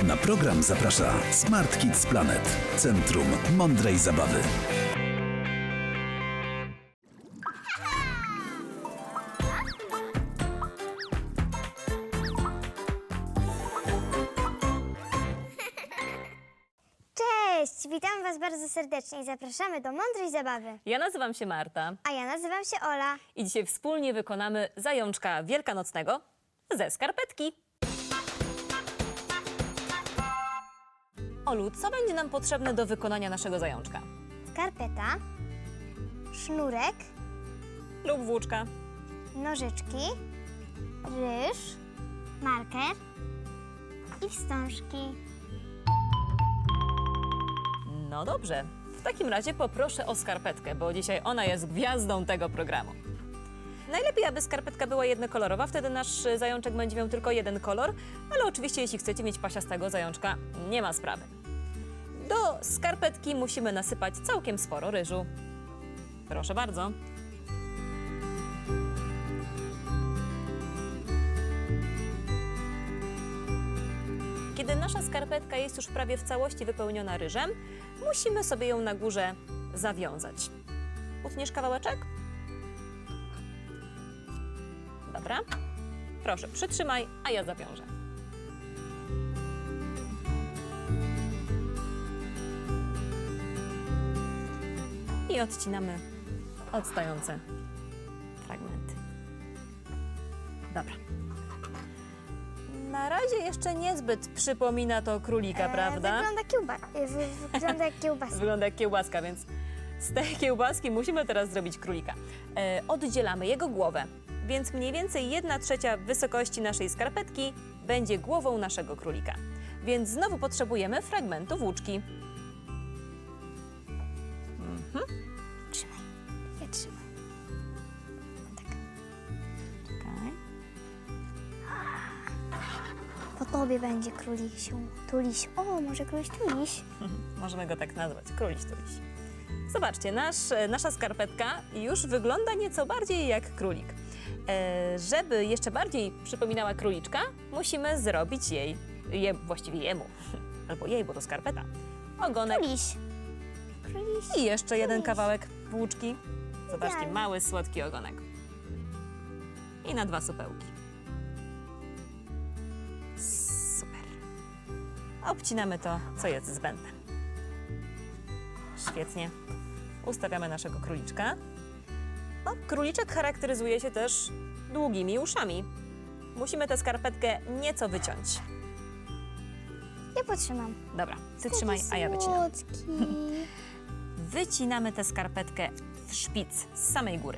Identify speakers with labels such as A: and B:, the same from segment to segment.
A: Na program zaprasza Smart Kids Planet, Centrum Mądrej Zabawy.
B: Cześć! Witam Was bardzo serdecznie i zapraszamy do Mądrej Zabawy.
C: Ja nazywam się Marta
B: A ja nazywam się Ola.
C: i dzisiaj wspólnie wykonamy zajączka wielkanocnego ze skarpetki. Olu, co będzie nam potrzebne do wykonania naszego zajączka?
B: Skarpeta, sznurek,
C: Lub włóczka.
B: nożyczki, ryż, marker i wstążki.
C: No dobrze, w takim razie poproszę o skarpetkę, bo dzisiaj ona jest gwiazdą tego programu. Najlepiej, aby skarpetka była jednokolorowa, wtedy nasz zajączek będzie miał tylko jeden kolor, ale oczywiście jeśli chcecie mieć pasiastego zajączka, nie ma sprawy. Do skarpetki musimy nasypać całkiem sporo ryżu. Proszę bardzo. Kiedy nasza skarpetka jest już prawie w całości wypełniona ryżem, musimy sobie ją na górze zawiązać. Utniesz kawałeczek? Dobra. Proszę, przytrzymaj, a ja zawiążę. I odcinamy odstające fragmenty. Dobra. Na razie jeszcze niezbyt przypomina to królika, prawda?
B: Wygląda jak kiełbasa.
C: Wygląda jak kiełbaska, więc z tej kiełbaski musimy teraz zrobić królika. Oddzielamy jego głowę, więc mniej więcej 1/3 wysokości naszej skarpetki będzie głową naszego królika. Więc znowu potrzebujemy fragmentu włóczki.
B: Trzymaj. Ja trzymam. Tak.
C: Czekaj.
B: Po tobie będzie królisiu. Tuliś. O, może króliś tuliś.
C: Możemy go tak nazwać, króliś tuliś. Zobaczcie, nasza skarpetka już wygląda nieco bardziej jak królik. Żeby jeszcze bardziej przypominała króliczka, musimy zrobić właściwie jemu, albo jej, bo to skarpeta, ogonek
B: Tuliś. Króliś.
C: i jeszcze jeden kawałek włóczki. Zobaczcie,
B: Idealnie.
C: mały, słodki ogonek. I na 2 supełki. Super. Obcinamy to, co jest zbędne. Świetnie. Ustawiamy naszego króliczka. No, króliczek charakteryzuje się też długimi uszami. Musimy tę skarpetkę nieco wyciąć.
B: Ja potrzymam.
C: Dobra, ty trzymaj, a ja wycinam.
B: Słodki.
C: Wycinamy tę skarpetkę w szpic z samej góry.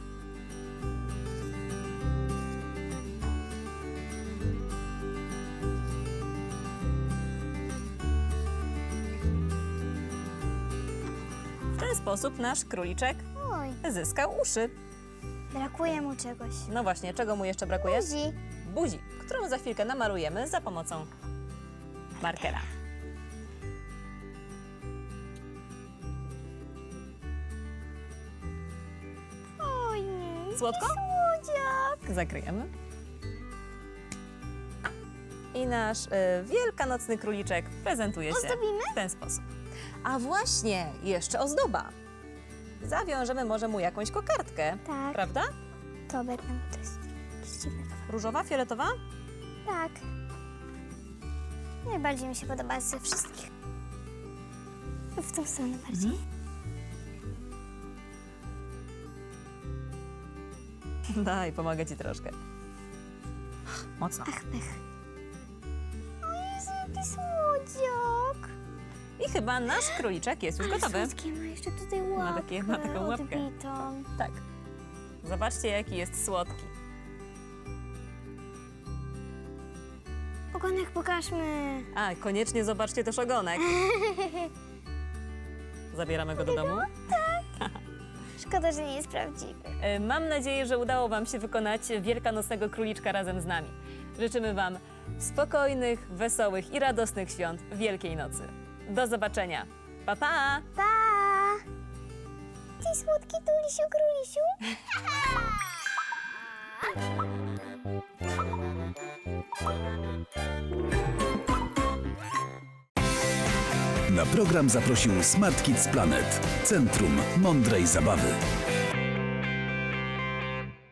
C: W ten sposób nasz króliczek
B: Oj,
C: zyskał uszy.
B: brakuje mu czegoś.
C: No właśnie, czego mu jeszcze brakuje?
B: Buzi.
C: Buzi, którą za chwilkę namalujemy za pomocą markera.
B: Oj, nie.
C: Słodko?
B: Słodziak.
C: Zakryjemy. I nasz wielkanocny króliczek prezentuje się
B: Ozdobimy?
C: w ten sposób. A właśnie, jeszcze ozdoba. Zawiążemy może mu jakąś kokardkę,
B: Tak.
C: prawda?
B: To będę, to jest jakieś dziwne.
C: Różowa, fioletowa?
B: Tak. Najbardziej mi się podoba ze wszystkich. W tą stronę bardziej.
C: Daj, pomogę ci troszkę. Mocno.
B: Ach, pech. O Jezu, jaki słodziak.
C: I chyba nasz króliczek jest już gotowy.
B: Słodkie, ma jeszcze tutaj łapkę
C: Ma taką łapkę.
B: odbitą.
C: Tak. Zobaczcie, jaki jest słodki.
B: Ogonek pokażmy.
C: A, koniecznie zobaczcie też ogonek. Zabieramy go do domu.
B: Szkoda, że nie jest prawdziwy.
C: Mam nadzieję, że udało Wam się wykonać wielkanocnego króliczka razem z nami. Życzymy Wam spokojnych, wesołych i radosnych świąt Wielkiej Nocy. Do zobaczenia. Pa, pa!
B: Pa! Ty słodki tulisiu, królisiu.
A: Na program zaprosił Smart Kids Planet, Centrum Mądrej Zabawy.